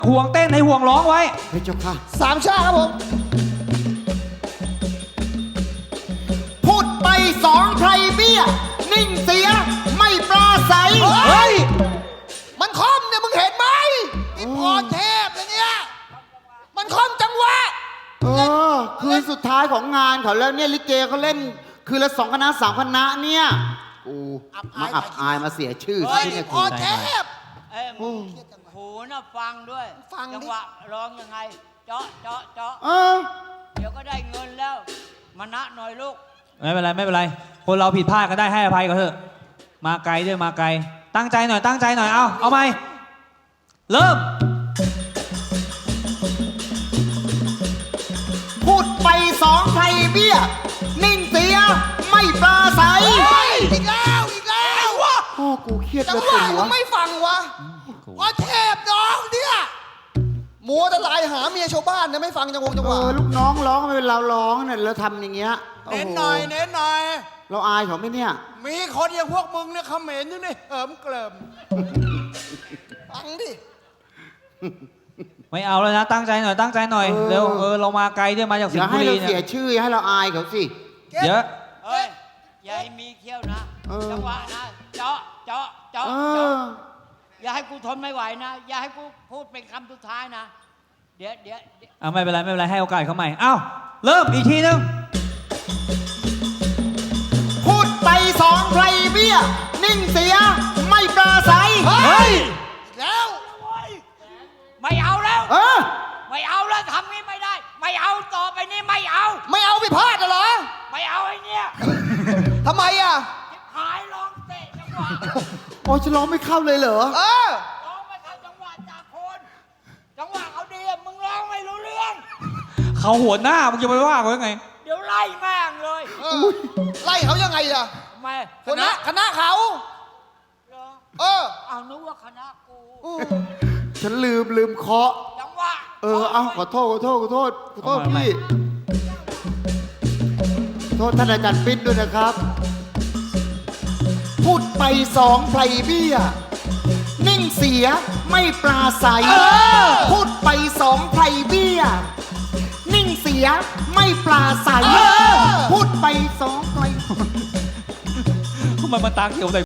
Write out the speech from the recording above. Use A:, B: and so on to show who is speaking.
A: ห่วงเต้นให้ห่วงร้องไว้
B: เฮ้ยเจ้าค่ะ
C: สามชาครับผม
B: พูดไปสองไพรเบี้ยนิ่งเสียไม่ปราศัย
C: เฮ้ย มันคอมเนี่ยมึงเห็นไหมอีพรเทพเนี่ย มันคอมจังหวะ
B: คืนสุดท้ายของงานเขาแล้วเนี่ยลิเกเขาเล่นคืนละ2 คณะ 3 คณะเนี่ยกูมาอับอายมาเสียชื่อ
C: เฮ้ย
B: ที่เนี่ย
C: พ
B: กู
C: รเทพ
D: เอ้ยมึงหูน่ะฟังด้วย
C: ฟังดิ
D: จังหวะร้องยังไง เจาะเจาะเจาะ
B: เออ
D: เดี๋ยวก็ได้เงินแล้วมานะหน่อยลูก
A: ไม่เป็นไรไม่เป็นไรคนเราผิดพลาดก็ได้ให้อภัยก็เถอะมาไกลด้วยมาไกลตั้งใจหน่อยตั้งใจหน่อยเอาไหมเริ่ม
B: พูดไปสองไพรเบี้ยนิ่งเสียไม่ปราศัย
C: เฮ้ยอีกแล้วอีกแล้ววะ
B: พ่อกูเครียด
C: จั
B: เล
C: ง
B: ย
C: ห
B: ปว
C: วะ
B: ดหัว
C: มึงไม่ฟังวะพรเทพน้องเนี่ยมัวแต่ไลน์หาเมียชาวบ้านนะไม่ฟังจังหวะ
B: ลูกน้องร้องไม่เป็นเราร้องเนี่ยเราทำอย่างเงี้ย
E: เน้นหน่อยเน้นหน่อย
B: เราอายเขาไหมเนี่ย
E: มีคนอย่างพวกมึงเนี่ยเขมรอยู่นี่เหิมเกลิม
C: ฟังดิ
A: ไม่เอาแล้วนะตั้งใจหน่อยตั้งใจหน่อยเร็วเรามาไกลด้วยมาจาก
B: อ
A: สิง
B: ย่า
A: ห์บุ
B: ให้
A: รี
B: เรา
A: เนี่
B: เสีย
A: ย
B: ชื่ออย่าให้เราอายเขาสิ
A: เยอะ
D: เอ้ยอย่าให้มีเขี้ยวนะ
B: เออ
D: จังหวะนะเจาะเจาะเจาะ
B: เอ
D: เจาะ
B: อ
D: อย่าให้กูทนไม่ไหวนะ อย่าให้กูพูดเป็นคำสุดท้ายนะ เดี๋ยว
A: ไม่เป็นไรไม่เป็นไรให้โอกาสเขาใหม่เริ่มอีกทีนึง
B: พูดไปสองไพรเบี้ยนิ่งเสียไม่ปราศัย
A: เฮ้ย
C: อีกแล้ว
D: ไม่เอาแล้ว
B: เออ
D: ไม่เอาแล้วทำนี้ไม่ได้ ไม่เอาต่อไปนี้ไม่เอา
C: ไม่เอาไปพลาดเหรอ
D: ไม่เอาไอ้เนี่ย
C: ทำไมอ่ะ
D: หายร้องเตะจังหวะ
B: โอ้ยจะร้องไม่เข้าเลยเหรอ
C: เออ
D: ร้องไม่เข้าจังหวะจากคนจังหวะเขาดีอะมึงร้องไม่รู้เรื่อง
A: เขาหัวหน้ามึงจะไปว่าเขายังไง
D: เดี๋ยวไล่แม่งเลย
C: ไล่เขายังไงล่ะ
D: ทำไม
C: คณะเขา
D: เหรอ
C: เออ
D: เอานึกว่าคณะกู
B: ฉันลืมเคาะ
D: จังหวะ
B: ขอโทษพี่โทษท่านอาจารย์ปิ๊ดด้วยนะครับ พูดไปสองไพรเบี้ยนิ่งเสียไม่ปราศัย พูดไปสองไพรเบี้ยนิ่งเสียไม่ปราศัย พูดไปสองไพร
A: ทำไมมันตาเขียวใส่